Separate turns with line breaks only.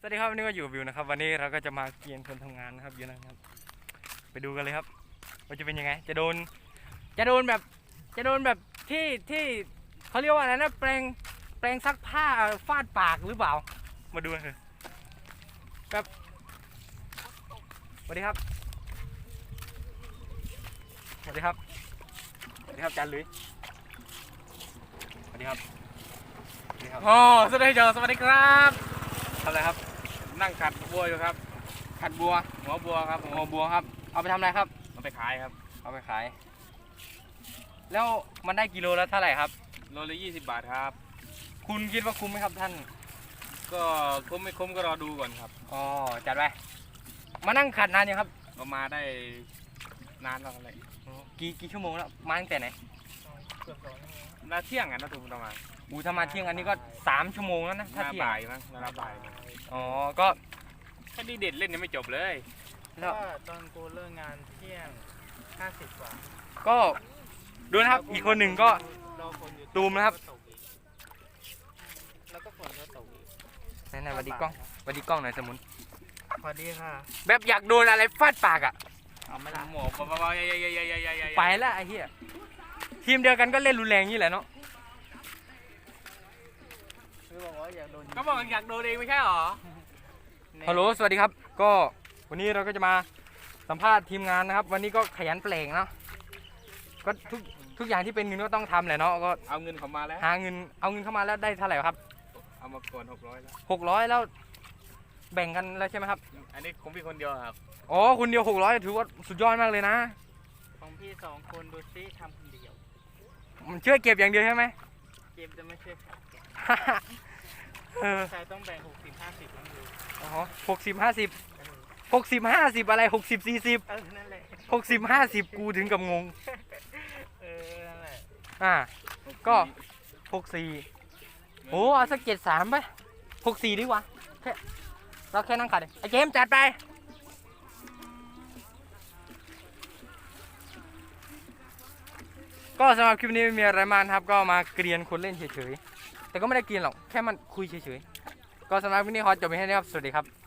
สวัสดีครับวันนี้ก็อยู่วิวนะครับวันนี้เราก็จะมาเกียนคนทำงานนะครับอยู่นะครับไปดูกันเลยครับว่าจะเป็นยังไงจะโดนแบบที่เขาเรียกว่าอะไรนะแปรงซักผ้าฟาดปากหรือเปล่ามาดูกันเถอะแบบสวัสดีครับสวัสดีครับสวัสดีครับจันลุยสวัสดีครับ
อ๋อสวัสดีครับสวัสดีครับ
ทำอะไรครับ
นั่งขัดบัวอยู่ครับ
ขัดบัว
หัวบัวครับ
หัวบัวครับเอาไปทำอะไรครับ
เอาไปขายครับ
เอาไปขายแล้วมันได้กิโลแล้วเท่าไหร่ครับ
โลละ20 บาทครับ
คุณคิดว่าคุ้มไหมครับท่าน
ก็คุ้มไม่คุ้มก็รอดูก่อนครับ
อ๋อจัดไปมานั่งขัดนานยังครับ
ก็มาได้นานแล้วอะไร
กี่ชั่วโมงแล้วมาตั้งแต่ไหน
นาเที่ยงอ่ะนะถูกประมาณ
ถ้ามาเที่ยงอันนี้ก็3 ชั่วโมงแล้วนะถ้า
นา
เที่ยง
บ่ายมั้งนาบ่าย
อ๋อก็
แค่นี้เด็ดเล่นยังไม่จบเลย
แล้ว
ตอนกูเลิกงานเที่ยง50 กว่า
ก็ดูนะครับอีกคนหนึ่งก็
รอฝนอยู่
ตูมนะครับ
แล้วก็ฝนก็ตกอีก
ไหนๆสวัสดีกล้องสวัสดีกล้องหน่อยสมุน
พอดีค่ะ
แบบอยากโดนอะไรฟาดปากอ่ะ
เอาไม่ละ
หมอปะๆ
ไปแล้วไอ้เหี้ยทีมเดียวกันก็เล่นรุนแรงนี่แหละเนาะ
คือบอกว่าอยากโดน
ก็บอกอยากโดนเองไม่ใช่หรอ
ฮัลโหลสวัสดีครับก็วันนี้เราก็จะมาสัมภาษณ์ทีมงานนะครับวันนี้ก็ขยันแปลงเนาะก็ทุกอย่างที่เป็นเงินก็ต้องทำแหละเนาะก็
เอาเงินเขามาแล้ว
เอาเงินเข้ามาแล้วได้เท่าไหร่ครับ
เอามาก่อน600แล้ว
600แล้วแบ่งกันแล้วใช่ไหมครับ
อันนี้ของพี่คนเดียวครับ
อ๋อคุณเดียว600ถือว่าสุดยอดมากเลยนะ
ของพี่2 คนดูซิทำคนเดียว
มันช่วยเก็บอย่างเดียวใช่ไหม
เกมจะไม่ใช่ค่ะ
เออ
ใช่ต้องแบ่ง60-50นั่นเลย
อ๋อ60-50อะไร60-40
นั่นแหละ
60-50กูถึงกับงง
นั่นแหละ
ก็64โอ้เอาสัก73ไป64ดีกว่าแค่เราแค่นั่งขัดเองไอ้เกมจัดไปก็สำหรับคลิปนี้ไม่มีอะไรมากครับก็มาเกรียนคนเล่นเฉยๆแต่ก็ไม่ได้เกรียนหรอกแค่มันคุยเฉยๆก็สำหรับคลิปนี้ขอจบไปแค่นี้ครับสวัสดีครับ